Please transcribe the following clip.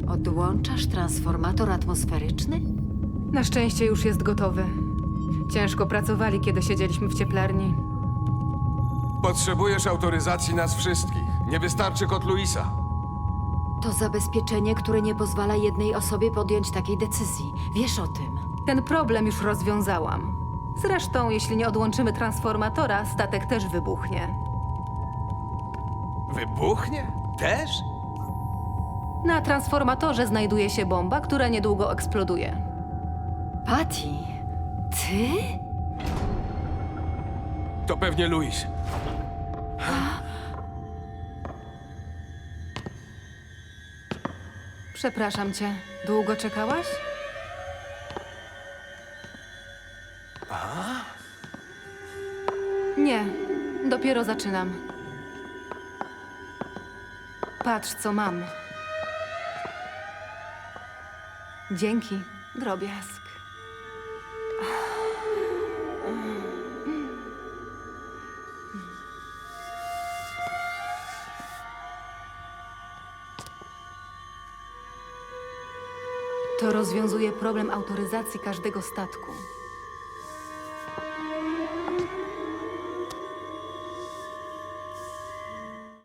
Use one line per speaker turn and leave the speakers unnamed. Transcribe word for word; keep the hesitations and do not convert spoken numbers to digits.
Odłączasz transformator atmosferyczny?
Na szczęście już jest gotowy. Ciężko pracowali, kiedy siedzieliśmy w cieplarni.
Potrzebujesz autoryzacji nas wszystkich. Nie wystarczy kod Luisa.
To zabezpieczenie, które nie pozwala jednej osobie podjąć takiej decyzji. Wiesz o tym.
Ten problem już rozwiązałam. Zresztą, jeśli nie odłączymy transformatora, statek też wybuchnie.
Wybuchnie? Też?
Na transformatorze znajduje się bomba, która niedługo eksploduje.
Patty, ty?
To pewnie Luis.
Przepraszam cię. Długo czekałaś? Nie, dopiero zaczynam. Patrz, co mam. Dzięki, drobiazg. To rozwiązuje problem autoryzacji każdego statku.